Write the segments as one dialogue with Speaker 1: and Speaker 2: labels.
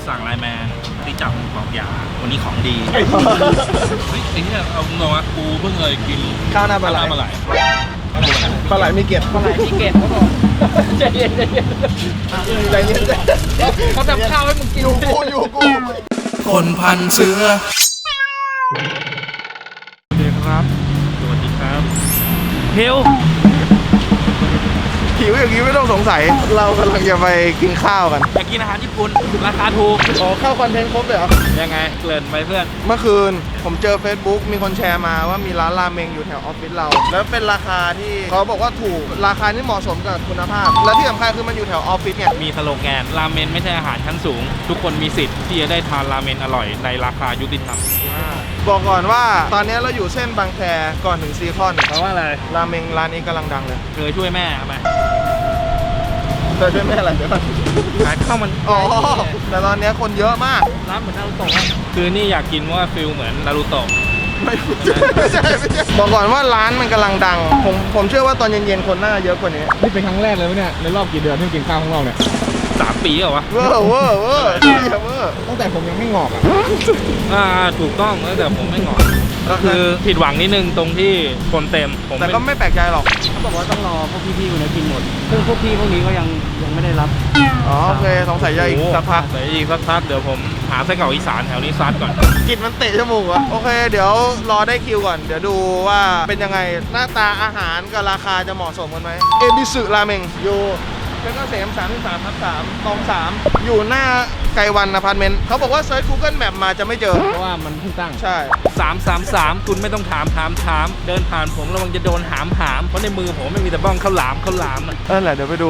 Speaker 1: สั่งไลน์แมนที่จับบอกยาวันนี้ของดีเฮ้ยไอ้เนี่ยเอางงอ่ะกูเพิ่งเคยกิน
Speaker 2: ข้าวหน้าปลาไหล
Speaker 1: ปลาไหล
Speaker 2: ปลาไหลมีเกล็ด
Speaker 3: ปลาไหลมีเกล็ดเขาบอกใจเย็น
Speaker 2: ใจเย็นใจ
Speaker 3: เขาทำข้าวให้มึงกิน
Speaker 2: อยู่กู
Speaker 1: คนพันเสือสวัสดีครับสวัสดีครับเฮล
Speaker 2: หิวอย่างนี้ไม่ต้องสงสัยเรากำลังจะไปกินข้าวกัน
Speaker 1: อยากกินอาหารญี่ปุ่นราคาถูก
Speaker 2: อ๋อข้าวคอนเทนต์ครบเลยเหรอ
Speaker 1: ยังไงเกริ่นไปเพื่อน
Speaker 2: เมื่อคืนผมเจอ Facebook มีคนแชร์มาว่ามีร้านราเมงอยู่แถวออฟฟิศเรา แล้วเป็นราคาที่เขาบอกว่าถูกราคาที่เหมาะสมกับคุณภาพ และที่สำคัญคือมันอยู่แถวออฟฟิศเนี่ย
Speaker 1: มีสโลแกนราเมนไม่ใช่อาหารชั้นสูง ทุกคนมีสิทธิ์ที่จะได้ทานราเมนอร่อยในราคายุติธรรม
Speaker 2: บอกก่อนว่าตอนนี้เราอยู่เส้นบางแคก่อนถึงซีคอน
Speaker 1: เพราะว่าอะไร
Speaker 2: ราเมงร้านนี้กำลังดังเลย
Speaker 1: เคยช่วยแม่ไหม
Speaker 2: เธอช่วยแม่อะไรเดี๋ยวก่อน
Speaker 1: ขายข้าวมัน
Speaker 2: อ๋อแต่ตอนนี้คนเยอะมาก
Speaker 3: ร้านเหมือนนารูโตะ
Speaker 1: คือนี่อยากกินว่าฟิลเหมือนนารูโตะ
Speaker 2: ไม่ใช่บอกก่อนว่าร้านมันกำลังดัง ผมเชื่อว่าตอนเย็นๆคนน่าจะเยอะกว่านี้
Speaker 4: นี่เป็นครั้งแรกเลยไหมเนี่ยในรอบกี่เดือนที่กินข้าวข้างนอกเนี่ย
Speaker 1: 3 ปีเหรอวะ
Speaker 2: เวอร์เวอร์เวอร์เวอร์
Speaker 4: ตั้งแต่ผมยังไม่งอกอ่ะ
Speaker 1: ถูกต้องแต่ผมไม่งอนก็คือผิดหวังนิดนึงตรงที่คนเต็มผม
Speaker 2: แต่ก็ไม่แปลกใจหรอก
Speaker 3: เขาบอกว่าต้องรอพวกพี่ๆคนนี้กินหมดซึ่งพวกพี่พวกนี้ก็ยังไม่ได้รับ
Speaker 2: อ๋อโอเคสงสัยจะอีกสักพัก
Speaker 1: แต่อีกสักพักเดี๋ยวผมหาไส้กรอกอีสานแถวนี้ซัดก่อน
Speaker 2: กลิ่นมันเตะจมูกอะโอเค เดี๋ยวรอได้คิวก่อน เดี๋ยวดูว่าเป็นยังไงหน้าตาอาหารกับราคาจะเหมาะสมกันไหมเอบิสึราเมงอยู่เพชรเกษม33/3ตอง3อยู่หน้าไกวันอพาร์ตเมนต์เขาบอกว่าเซิร์ช Google Map มาจะไม่เจอ
Speaker 4: เพราะว่ามันเพิ่งตั้ง
Speaker 2: ใช่
Speaker 1: 333คุณไม่ต้องถามเดินผ่านผมระวังจะโดนหามเพราะในมือผมไม่มีแต่บ้องข้าวหลามอะ
Speaker 2: นั่นแหละเดี๋ยวไปดู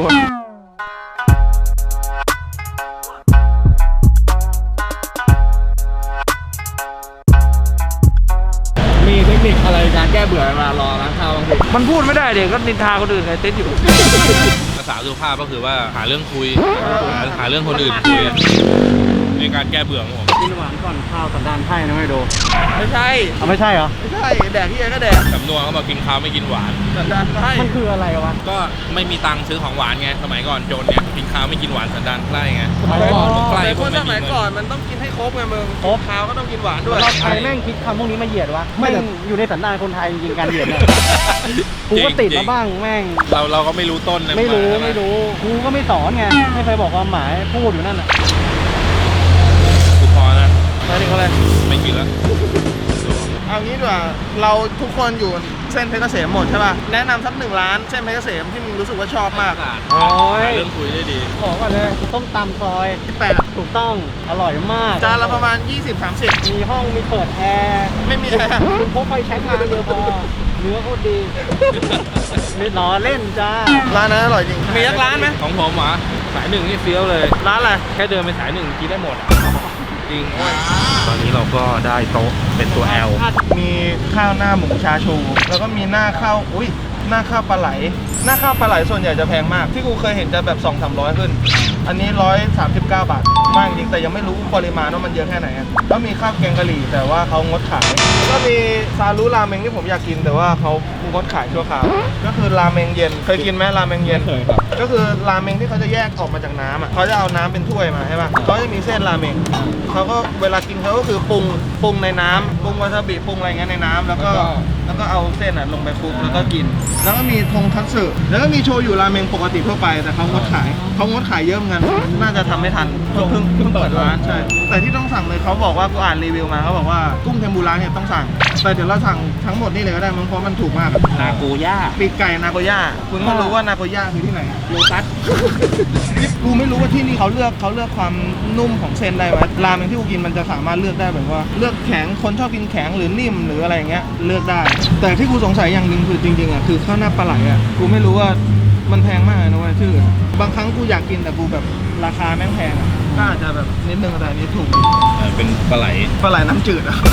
Speaker 4: มีเทคนิคอะไรการแก้เบื่อเวลารอร้านข้าวบางที
Speaker 1: มันพูดไม่ได้เด็กก็นินทาคนอื่นไงเต้นอยู่ภาษาสุภาพก็คือว่าหาเรื่องคุยหาเรื่องคนอื่นคุยในการแก้เบื่อของผม
Speaker 3: กินหวานก่อนข้าวสันดานไพ่นะไม่ดู
Speaker 2: ไม่ใช่
Speaker 3: ไม่ใช่เหรอ
Speaker 2: ไม่ใช่แดกที่ไหนก็แดก
Speaker 1: สำนวนเขาบอกกินข้าวไม่กินหวาน
Speaker 2: สันดานไพ่
Speaker 3: มันคืออะไรวะ
Speaker 1: ก็ไม่มีตังค์ซื้อของหวานไงสมัยก่อนจนเนี่ยกินข้าวไม่กินหวานสันดานไพร่ไง
Speaker 4: สมัยก่อน
Speaker 1: ใคร
Speaker 2: แต่
Speaker 1: พ
Speaker 2: คว
Speaker 1: ก
Speaker 2: น
Speaker 1: ไม่
Speaker 2: ส
Speaker 1: มี
Speaker 2: มัย
Speaker 1: เงิน
Speaker 2: ก่อนมันต้องกินให้ครบไงมึง
Speaker 3: ครบ
Speaker 2: ข้าวก็ต้องกินหวานด้วย
Speaker 3: เราใครแม่งคิดคำพวกนี้มาเหยียดวะแม่งอยู่ในสันดานคนไทยจริงๆการเหยียดเนี่ยกูก็ติดมาบ้างแม่ง
Speaker 1: เราก็ไม่รู้ต้นนะ
Speaker 3: ไม่รู้กูก็ไม่สอนไงไม่เคยบอกความหมายพูดอยู่นั่นน่ะ
Speaker 1: กูพอนะ
Speaker 2: ไปถึงอะไร
Speaker 1: ไม่กินแล้ว
Speaker 2: เอางี้ดีกว่าเราทุกคนอยู่เส้นเพชรเกษมหมดใช่ป่ะแนะนำสัก1 ร้านเส้นเพชรเกษมที่มึงรู้สึกว่าชอบมาก
Speaker 3: โอ้ย
Speaker 1: หาเรื่องคุยได้ดี
Speaker 3: ขอก่อนเลยต้มตำซอย
Speaker 2: 8
Speaker 3: ถูกต้องอร่อยมาก
Speaker 2: จานละประมาณ 20-30
Speaker 3: มีห้องมีเปิดแอร์
Speaker 2: ไม่มีแอร์
Speaker 3: คุณพกไฟแช็กมาเดียวพอเนื้อโคตรดีไม่ล้อเล่นจ้า
Speaker 2: ร้านนั้นอร่อยจริงมีสักร้านไหม
Speaker 1: ของผมเหรอสายหนึ่งนี่เฟี้ยวเลย
Speaker 2: ร้านอะไร
Speaker 1: แค่เดินไปสายหนึ่งกินได้หมดอะจริงตอนนี้เราก็ได้โต๊ะเป็นตัว L
Speaker 2: มีข้าวหน้าหมูชาชู แล้วก็มีหน้าข้าวหน้าข้าวปลาไหล หน้าข้าวปลาไหลส่วนใหญ่จะแพงมาก ที่กูเคยเห็นจะแบบ200-300ขึ้น อันนี้139 บาท มากจริงแต่ยังไม่รู้ปริมาณว่ามันเยอะแค่ไหนอะแล้วมีข้าวแกงกะหรี่แต่ว่าเขางดขายแล้วก็มีซารุราเมงที่ผมอยากกินแต่ว่าเขางดขายชั่วคราวก็คือราเมงเย็นเคยกินไหมราเมงเย็น
Speaker 4: เคยครับ
Speaker 2: ก็คือราเมงที่เขาจะแยกออกมาจากน้ำอ่ะเขาจะเอาน้ำเป็นถ้วยมาใช่ป่ะเขาจะมีเส้นราเมงเขาก็เวลากินเขาก็คือปรุงในน้ำปรุงวาซาบิปรุงอะไรเงี้ยในน้ำแล้วก็เอาเส้นอ่ะลงไปคลุกแล้วก็กิน แล้วก็มีทงคัตสึแล้วก็มีโชยุราเมงปกติทั่วไปแต่เขางดขายเยอะเหมือนกันน่าจะทำไม่ทันเพิ่งเปิดร้านใช่แต่ที่ต้องสั่งเลยเขาบอกว่ากูอ่านรีวิวมาเขาบอกว่ากุ้งเทมปุระเนี่ยต้องสั่งแต่เดี๋ยวเราสั่งทั้งหมดนี่เลยก็ได้มั้งเพราะมันถูกมากอะ
Speaker 1: นากูย่า
Speaker 2: ปีกไก่นาโกย่าคุณก็รู้ว่านาโกย่าคือที่ไหนโลตัส กูไม่รู้ว่าที่นี่เขาเลือกความนุ่มของเส้นได้ไหมราเมงที่กูกินมันจะสามารถเลือกได้แบบว่าเลือกแข็งคนชอบกินแข็งหรือนิ่มหรืออะไรอย่างเงี้ยเลือกได้ แต่ที่กูสงสัยอย่างหนึ่งคือจริงๆอ่ะคือข้าวหน้าปลาไหลอ่ะกูไม่รู้ว่ามันแพงมากเลยนะเว้ยชื่อบางครั้งกูอยากกินแต่กูแบบราคาแม่งแพงอ่ะก็อาจจะแบบนิดนึงแต่อันนี้ถูก
Speaker 1: เป็นปลาไหล
Speaker 2: ปลาไหลน้ำจืดอ่ะ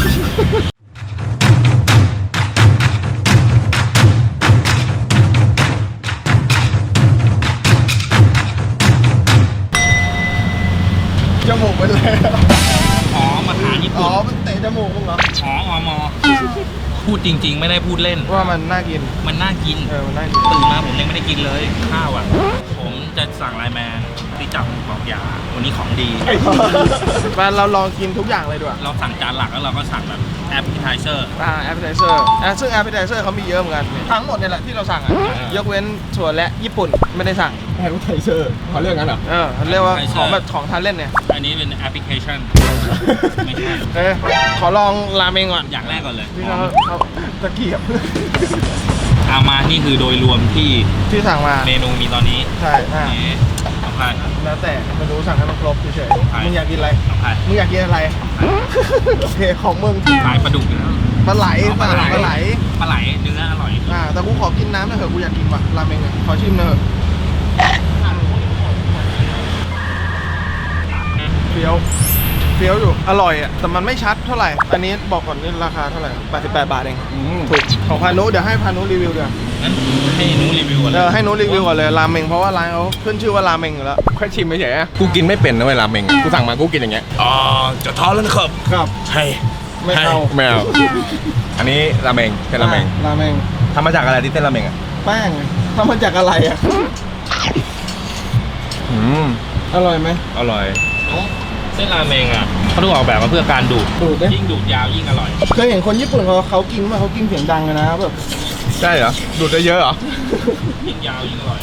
Speaker 2: จมูกไปเลย
Speaker 1: อ๋อมาหาญี่
Speaker 2: อ๋
Speaker 1: ปุ่
Speaker 2: อน มันเตะจมูกมึงเหรอ
Speaker 1: อ๋ออมพูดจริง ๆ ไม่ได้พูดเล่น
Speaker 2: ว่ามันน่ากิน
Speaker 1: มันน่ากิน
Speaker 2: มันน่ากิน
Speaker 1: ตื่นมาผมยังไม่ได้กินเลยข้าวอ่ะโหผมจะสั่งไลน์แมนที่จับบอกยาวันนี้ของดี
Speaker 2: มาเราลองกินทุกอย่างเลยดีกว่า
Speaker 1: เราสั่งจานหลักแล้วเราก็สั่งแบบแอปเปิลไทเซอร์
Speaker 2: appetizer ซึ่ง appetizer เขามีเยอะเหมือนกันทั้งหมดเนี่ยแหละที่เราสั่งยกเว้นส่วนและญี่ปุ่นไม่ได้สั่ง
Speaker 4: แฮร์รี่ไทเซอร์เขาเรียกงั้นเหรอ
Speaker 2: เรียกว่าของแบบของทานเล่นเนี่ย
Speaker 1: อันนี้เป็นแอปพลิเคชันไม่ใช่
Speaker 2: ขอลองราเมงก่อน
Speaker 1: อย่างแรกก่อนเลย
Speaker 2: ที่เขาตะเกียบ
Speaker 1: เอามานี่คือโดยรวมที่
Speaker 2: ที่สั่งมา
Speaker 1: เมนูมีตอนนี้
Speaker 2: ใช่
Speaker 1: นี่สำคัญ
Speaker 2: แล้วแต่ไม่รู้สั่งให้มันครบเฉย
Speaker 1: ใช่
Speaker 2: ๆมึงอยากกินอะไร
Speaker 1: สำคัญ
Speaker 2: มึงอยากกินอะไร โอเคของมึง
Speaker 1: ขายปลาดุกอยู่แล้ว
Speaker 2: ปลาไหลปลาไหล
Speaker 1: ปลาไหลเนื้ออร่อย
Speaker 2: แต่กูขอกินน้ำหน่อยเถอะกูอยากกินว่ะราเมงขอชิมหน่อยเถอะเฟี้ยวอยู่อร่อยอ่ะแต่มันไม่ชัดเท่าไหร่อันนี้บอกก่อนนี่ราคาเท่าไหร่88 บาทเองถูกของพานุเดี๋ยวให้พานุรีวิวเดี๋ยว
Speaker 1: งั้นให้หนูรีวิวก่อนเลย
Speaker 2: ให้นุรีวิวก่อนเลยราเมงเพราะว่าร้านเขาขึ้นชื่อว่าราเมงอยู่แล้ว
Speaker 4: แค่ชิมไม่เฉยๆกูกินไม่เป็นนะเวลาเมงกูสั่งมากูกินอย่างเงี้ย
Speaker 1: อ๋อจะท้อแล้วนะครับ
Speaker 2: ครับ
Speaker 1: ให้
Speaker 2: ไม่เอา
Speaker 4: ไม่เอาอันนี้ราเมงเป็นราเมง
Speaker 2: ราเมง
Speaker 4: ทำมาจากอะไรที่เป็นราเมงอ่ะ
Speaker 2: แป้งทำมาจากอะไรอ่ะ อร่อยไหม
Speaker 4: อร่อย
Speaker 1: เส้นราเมงอ่ะเขาถูกออกแบบมาเพื่อการดูด
Speaker 2: ดูดดิ
Speaker 1: ยิ่งดูดยาวยิ่งอร่อย
Speaker 2: เคยเห็นคนญี่ปุ่นเขากินมาเขากินเสียงดังเลยนะแบบ
Speaker 4: ใช่เหรอดูดได้เยอะเหรอ
Speaker 1: ยิ่งยาวยิ่งอร่อย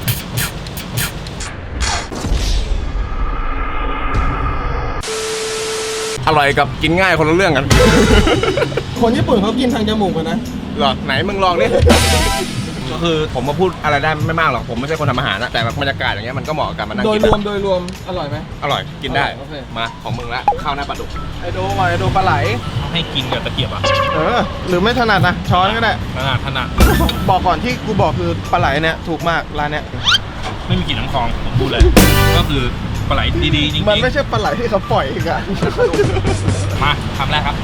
Speaker 4: อร่อยกับกินง่ายคนละเรื่องกัน
Speaker 2: คนญี่ปุ่นเขากินทางจมูกกันนะ
Speaker 4: เหรอไหนมึงลองดิก็คือผมมาพูดอะไรได้ไม่มากหรอกผมไม่ใช่คนทำอาหารนะแต่แบบบรรยากาศอย่างเงี้ยมันก็เหมาะกับมานั่ง
Speaker 2: โดย
Speaker 4: กิน
Speaker 2: รวมอร่อยไหม
Speaker 4: อร่อยกินได้
Speaker 2: โอเค
Speaker 4: มาของมึงละข้าวหน้าปลาดุก
Speaker 2: ไอโดก่อนไอโดปลาไหล
Speaker 1: ให้กินกับตะเกียบอ่ะ
Speaker 2: หรือไม่ถนัดนะช้อนก็ได้
Speaker 1: ถนัด
Speaker 2: บอกก่อนที่กูบอกคือปลาไหลเนี่ยถูกมากร้านเนี้ย
Speaker 1: ไม่มีกลิ่นน้ำคลองผมพูดเลย ก็คือปลาไหลดีๆจริง
Speaker 2: มันไม่ใช่ปลาไหลที่เขาปล่อยอีกอะ
Speaker 1: ๆมาคำแรกครับ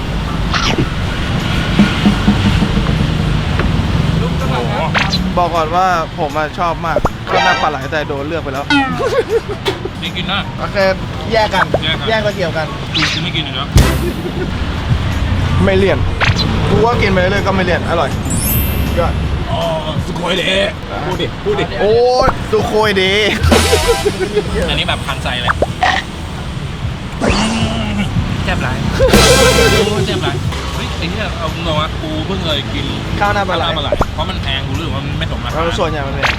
Speaker 2: บอกก่อนว่าผมชอบมากก็น่าปลาไหลแต่โดนเลือกไปแล้ว
Speaker 1: นี่กินนะ
Speaker 2: โอเคแยกกัน
Speaker 1: แยกกัน
Speaker 2: ตะเกียบกัน
Speaker 1: กูไม่กินอีกแล้ว
Speaker 2: ไม่เลี่ยนกูว่ากินไปเรื่อยๆก็ไม่เลี่ยนอร่อยยอด
Speaker 1: อ๋อสุโขยเดะ
Speaker 4: พูดดิ
Speaker 2: โอ้สุโคยดี
Speaker 1: อันนี้แบบพันใจเลยแซ่บไรแซ่บไรเฮ้ยไอ้เนี่ยเอาตรงๆนะกูเพิ่งเคยกิน
Speaker 2: ข้าวหน้าปลาไหล
Speaker 1: เพราะมันแพงกูรู้สึกว่ามันไม่สมราคา
Speaker 2: เราส่วนใหญ่มันเป็น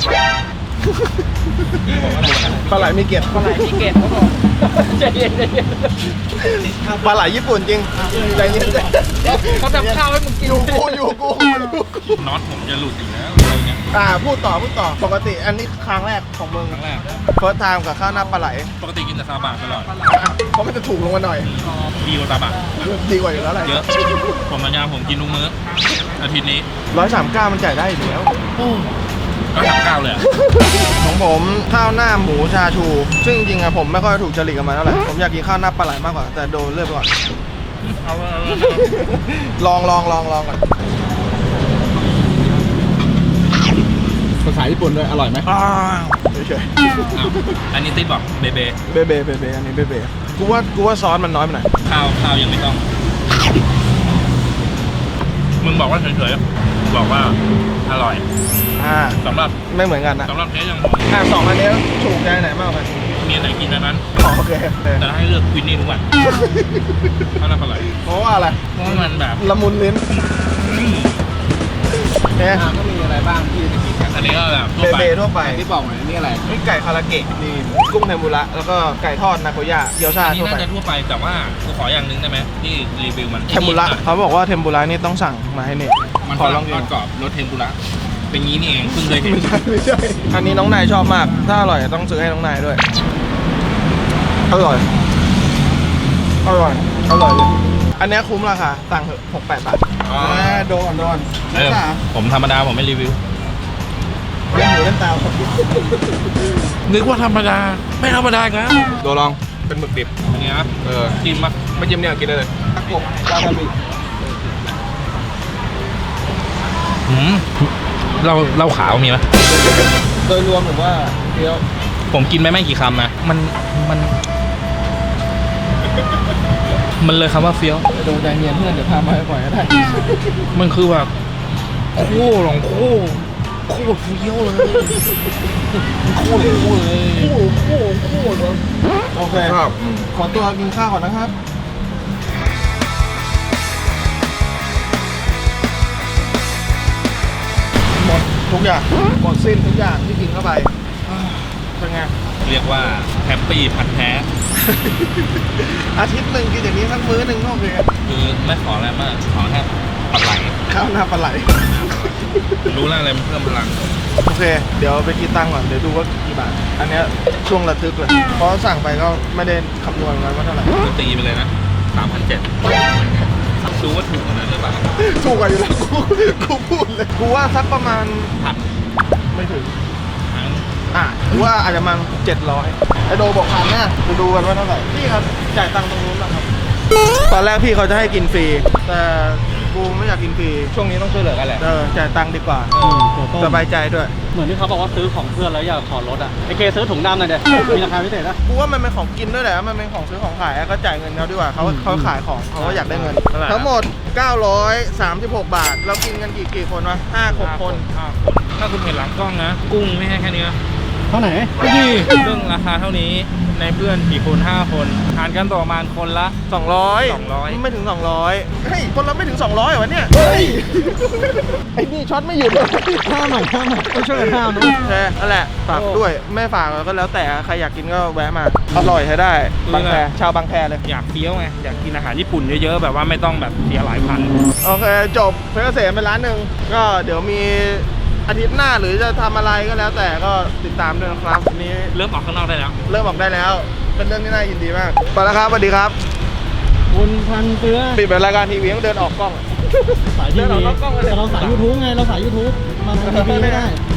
Speaker 2: ปลาไหลมีเกล็ด
Speaker 3: ปลาไหลมีเกล็ดเขาบอกใจเย็น
Speaker 2: ปลาไหลญี่ปุ่นจริงใจเย็น
Speaker 3: เขาทำข้าวให้มึงกิน
Speaker 2: อยู่กู
Speaker 1: น็อตผมจะหลุดอีกแล้วอะไรเงี้ย
Speaker 2: พูดต่อปกติอันนี้ครั้งแรกของมึง
Speaker 1: ครั้งแรก
Speaker 2: เฟิร์สไทม์กับข้าวหน้าปลาไหล
Speaker 1: ปกติกินแต่ซาบะตลอด
Speaker 2: เพราะมันจะถูกลงมาหน่อย
Speaker 1: ดีกว่าซาบะ
Speaker 2: ดีกว่าอยู่แล้วแหละ
Speaker 1: เยอะผมสัญญาผมกินทุกมื้ออาทิตย์นี้
Speaker 2: 139มันจ่ายได้อยู่แล้ว
Speaker 1: ก็39เลยอะ
Speaker 2: ของผมข้าวหน้าหมูชาชู ซึ่งจริงๆอะผมไม่ค่อยถูกจริตกับมันเท่าไหร่ผมอยากกินข้าวหน้าปลาไหลมากกว่าแต่โดนเลือกไปก่อน
Speaker 1: เอา
Speaker 2: ลองก่อน
Speaker 4: ภาษาญี่ปุ่นด้วยอร่อยไหม
Speaker 2: เฉย
Speaker 1: อันนี้ติ๊บบอกเบเบ
Speaker 2: ๆเบเบอันนี้เบกูว่าซอสมันน้อยไปหน่อย
Speaker 1: ข้าวยังไม่ต้อง มึงบอกว่าเฉยๆบอกว่าอร่อยสำหรับ
Speaker 2: ไม่เหมือนกันนะ
Speaker 1: สำหรับเทสอย่างผม
Speaker 2: สองอันนี้ถูกใจไหนมากกว่ากัน
Speaker 1: มีอันไหนกินอันนั้น
Speaker 2: โอเค
Speaker 1: แต่ถ้าให้เลือกควินนี่ทุกวันข้าวหน้าปลาไหล
Speaker 2: เพราะว่าอะไร
Speaker 1: เพราะว่ามันแบบ
Speaker 2: ละมุนลิ้นเนี่ย
Speaker 4: ก็มีอะไรบ้างที่จะกินกัน
Speaker 1: อันนี้ก็แบบทั่วไป
Speaker 2: เบทั่วไป
Speaker 4: ที่บอกไว้นี่อะไร
Speaker 2: นี่ไก่คาราเกะนี่กุ้งเทมปุระแล้วก็ไก่ทอดนาโกย่าเกี๊ยวชา
Speaker 1: อันนี้
Speaker 2: ทั่ว
Speaker 1: น่า
Speaker 2: ไป
Speaker 1: จะทั่วไปแต่ว่ากูขออย่างหนึงได้ไหมที่รีวิวมัน
Speaker 2: เทมปุระเขาบอกว่าเทมปุระนี่ต้องสั่งมาให้เนี่ย
Speaker 1: มัน
Speaker 2: ขอลอง
Speaker 1: ท
Speaker 2: กิ
Speaker 1: อด
Speaker 2: น
Speaker 1: กรอบรสเทมปุระเป็นงี้นี่เองเพิ่งเคยเห็น
Speaker 2: ไม่ใช่อันนี้น้องนายชอบมาก ถ้าอร่อยต้องซื้อให้น้องนายด้วย อร่อย เลยอันเนี้ยคุ้มราคาสั่งเถอะ68 บาทโดน
Speaker 1: เออผมธรรมดาผมไม่รีวิว
Speaker 2: เล่นหูเล่นตา
Speaker 1: นึกว่าธรรมดาไม่ธรรมดาอีกแล้ว
Speaker 4: ตัวลองเป็นหมึกดิบ
Speaker 1: อันนี้นะ จิ้มปะ
Speaker 4: ไม่จิ้มเนี่ยกินได้เลย
Speaker 2: ตะกบวาซาบิ
Speaker 1: เราขาวมีไหม
Speaker 2: โดยรวมผมว่าเคี้ยว
Speaker 1: ผมกินไปไม่กี่คำนะมันเลยคำว่าเฟี้ยว
Speaker 2: โดนใจเย็นเพื่อนเดี๋ยวพามาให้ปล่อยก็ได้
Speaker 1: มันคือแบบโค้หลงโค้โคตรเฟี้ยวเลยโคตรเลย
Speaker 2: โอเค
Speaker 4: ครับ
Speaker 2: ขอตัวกินข้าวก่อนนะครับหมดทุกอย่างหมดสิ้นทุกอย่างที่กินเข้าไปเป็นไง
Speaker 1: เรียกว่าแฮปปี้พันแท้
Speaker 2: อาทิตย์หนึ่งกินอย่างนี้สักมื้อหนึ่งก็โอเค
Speaker 1: คือไม่ขออะไรมากขอแค่ปลาไหล
Speaker 2: ข้าวหน้าปลาไหล
Speaker 1: รู้แล้วอะไรมันเพิ่มพลัง
Speaker 2: โอเค เดี๋ยวไปคิดตังค์ก่อน เดี๋ยวดูว่ากี่บาท อันเนี้ยช่วงระทึกเลย เพราะสั่งไปก็ไม่ได้คำนวณไว้ว่าเท่าไหร่
Speaker 1: ก็ตีไปเลยนะ 3,700รู้ว่าถูกกว่านั้นหรือเปล่า
Speaker 2: ถูกกว่าอยู่แล้วกูพูดเลย กูว่าสักประมาณ
Speaker 1: พัน
Speaker 2: ไม่ถึง
Speaker 1: ทั้ง
Speaker 2: กูว่าอาจจะประมาณ700ไอโดบอกพันนะจะดูกันว่าเท่าไหร่ พี่ครับ จ่ายตังค์ตรงนู้นนะครับ ตอนแรกพี่เขาจะให้กินฟรี แต่กูไม่อยากกินฟรี
Speaker 4: ช่วงนี้ต้องช่วยเหลือกันแหละ
Speaker 2: จ่ายตังค์ดีกว่า
Speaker 3: ตัวต้ม
Speaker 2: สบายใจด้วย
Speaker 3: เหมือนที่เขาบอกว่าซื้อของเพื่อนแล้วอยากขอลดอ่ะไอเคซื้อถุงดำหน่อยเด็มีราคาพิเศษนะ
Speaker 2: กูว่ามันเป็นของกินด้วยแหละ มันเป็นของซื้อของขายก็จ่ายเงินเขาดีกว่าเขาขายของเขาก็อยากได้เงิน ทั้งหมด 936 บาท เรากินกันกี่คนวะ5-6 คน
Speaker 1: ถ้าคุณเห็นหลังกล้องนะ กุ้งไม่ใช่แค่นี้นะ
Speaker 3: เท่าไหน
Speaker 1: นี่เรื่องราคาเท่านี้ในเพื่อนกี่คน5 คนทานกันต่อประมาณคนละ
Speaker 2: 200 ไม่ถึง 200 เฮ้ย คนเราไม่ถึง 200เหรอวะเนี่ย เฮ้ย ไอ้นี่ช็อตไม่หยุดเลย
Speaker 3: ห้าหน่อยต้องช่วยกันห้ามนะ
Speaker 2: โอเคนั่นแหละ ฝากด้วย ไม่ฝากก็แล้วแต่ ใครอยากกินก็แวะมา อร่อยใช้ได้ บางแค ชาวบางแคเลย
Speaker 1: อยากเฟี้ยวไงอยากกินอาหารญี่ปุ่นเยอะๆแบบว่าไม่ต้องแบบเสียหลายพัน
Speaker 2: โอเค จบเพชรเกษมไปร้านหนึ่งก็เดี๋ยวมีอาทิตย์หน้าหรือจะทำอะไรก็แล้วแต่ก็ติดตามด้วยนะครับวันนี้
Speaker 1: เริ่มออกข้างนอกได้แล้ว
Speaker 2: เริ่มออกได้แล้ว เป็นเรื่องที่น่ายินดีมากไปแล้วครับสวัสดีครับ
Speaker 3: คุณพันเตื้อ
Speaker 2: ปิดเป็นรายการทีวีต้องเดินออกกล้อง
Speaker 3: สายที
Speaker 2: เดินอ
Speaker 3: วี
Speaker 2: อกนอกกล้องเลย
Speaker 3: แต่เราสายยูทูบไงเราสายยูทูบมาทางทีวีไม่ได้